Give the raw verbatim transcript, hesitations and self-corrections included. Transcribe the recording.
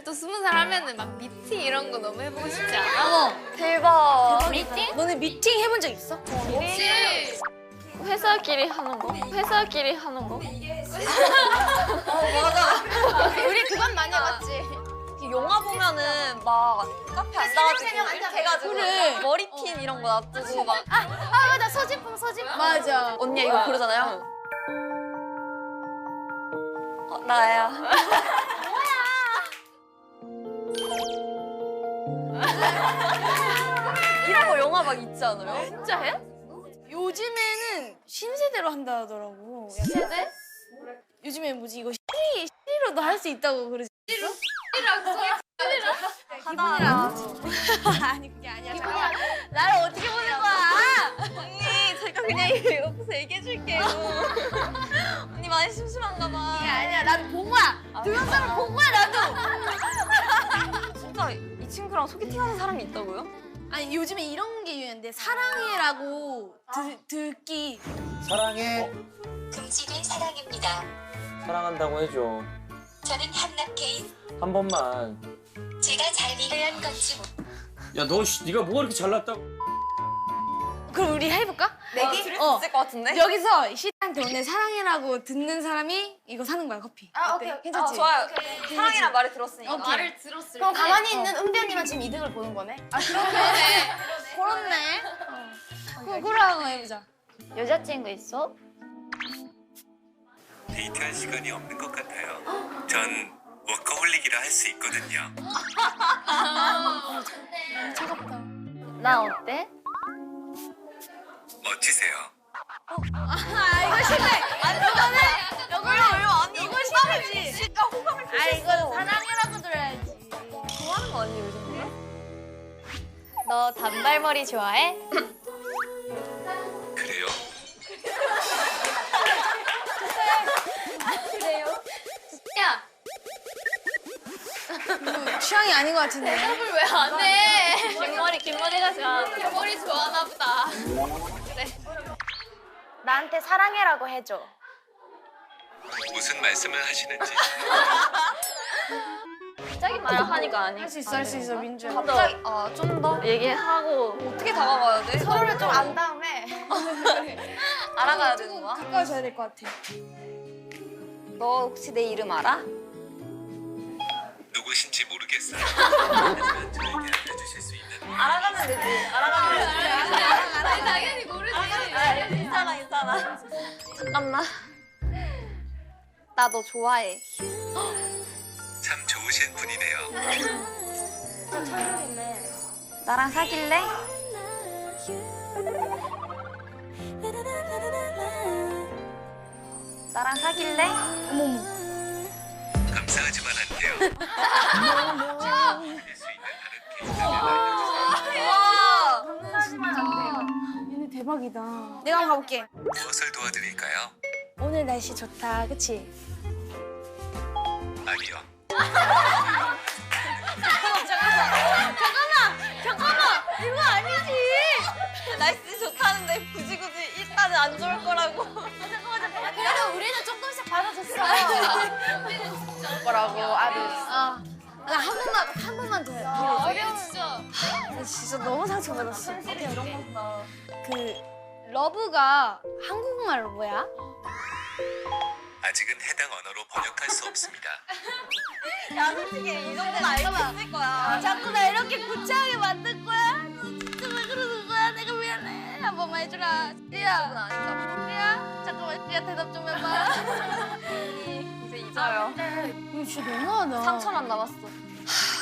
또 스무 살 하면은 막 미팅 이런 거 너무 해보고 싶지 않아? 어. 대박. 미팅? 너네 미팅 해본 적 있어? 없지. 회사끼리 하는 거? 회사끼리 하는 거? 우리 그건 많이 해봤지. 영화 보면은 막 카페 앉아가지고 이렇게 해가지고 그래. 머리핀 이런 거 놔두고 막 아 맞아 소지품 소지품. 맞아. 언니 이거 고르잖아요. 어, 나야. 이런 거 영화 막 있지 않아요? 진짜 해? 요즘에는 신세대로 한다 하더라고. 세대? 요즘에 뭐지 이거 시리, 시리로도 할 수 있다고 그러지. 이랑 소지품. 하다. 아니 그게 아니야. 잠깐만. 나를 어떻게 보는 거야? 언니 제가 그냥 옆에서 얘기해줄게요. 언니 많이 심심한가 봐. 그게 아니야. 난 본 거야. 동영상을 본 거야 나도. 진짜 이 친구랑 소개팅하는 사람이 있다고요? 아니 요즘에 이런 게 유행인데 사랑해라고 드, 듣기. 사랑해. 금지된 사랑입니다. 사랑한다고 해줘. 저는 한남개인. 한 번만. 제가 잘 미래한 건지 뭐. 야, 너 씨, 네가 뭐가 이렇게 잘났다고? 그럼 우리 해볼까? 내기? 들을 수 어. 있을 것 같은데? 여기서 시한테 오늘 사랑해라고 듣는 사람이 이거 사는 거야 커피. 아 어때? 오케이 오케이. 괜찮지? 아, 좋아요. 사랑이란 말을 들었으니까. 오케이. 말을 들었을 그럼 때. 가만히 있는 은비 언니만 지금 이득을 보는 거네? 아 그러네. 그렇네. 어. 그럼 그래 한번 해보자. 여자친구 있어? 데이트할 시간이 없는 것 같아요. 전 워커홀릭이라 할 수 있거든요. 차갑다. 나 어때? 멋지세요. 아 이거 싫네. 아 이거는 왜, 왜, 아니, 이거 싫지. 진짜 호감을 아 이거는 사랑해라고 들어야지. 좋아하는 거 아니에요, 이 정도면? 너 단발머리 좋아해? 그래요? 야 이거 취향이 아닌 것 같은데. 대답을 왜 안 해? 긴 머리, 긴 머리가 좋아. 머리 좋아하나 보다. 나한테 사랑해라고 해줘. 무슨 말씀을 하시는지. 갑자기 말하니까 아니. 할 수 있어 할 수 있어 민주야. 갑자기 아, 좀 더 얘기하고 어떻게 다가가야 돼? 서로를 좀 안 다음에 알아가야 되는 거야? 가까워져야 될 것 같아. 너 혹시 내 이름 알아? 누구신지 모르겠어요. 하지만 저에게 알려주실 수 있는. 알아가면 되지. 알아가면 되지. 아니 당연히 모르지. 아, 괜찮아, 괜찮아. 잠깐만. 나 너 좋아해. 참 좋으신 분이네요. 나랑 사귈래? 나랑 사귈래? 어머머. 감사하지만 안 돼요. 드릴 수 있는 다른 케이스를 알려주세요. 와! 얘네 대박이다. 내가 한번 가볼게. 무엇을 도와드릴까요? 오늘 날씨 좋다, 그치? 아니요. 이거 아니지! 날씨 좋다는데 굳이 굳이 일단은 안 좋을 거라고. 그래도 우리는 조금씩 받아줬어. 뭐라고 아들. 아, 나 한 번만, 한 번만 더 해. 어려워 진짜. 나 진짜 너무 상처받았어. 그, 러브가 한국말로 뭐야? 아직은 해당 언어로 번역할 수 없습니다. 야, 솔직히 이 정도는 알 수 있을 거야. 자꾸 나 이렇게 구차하게 만들 거야? 너 진짜 왜 그러는 거야? 내가 미안해. 한 번만 해주라. 리야. 아닌가 리야? 잠깐만, 리야 대답 좀 해봐. 이제 잊어요. 이거 진짜 너무하다. 상처만 남았어.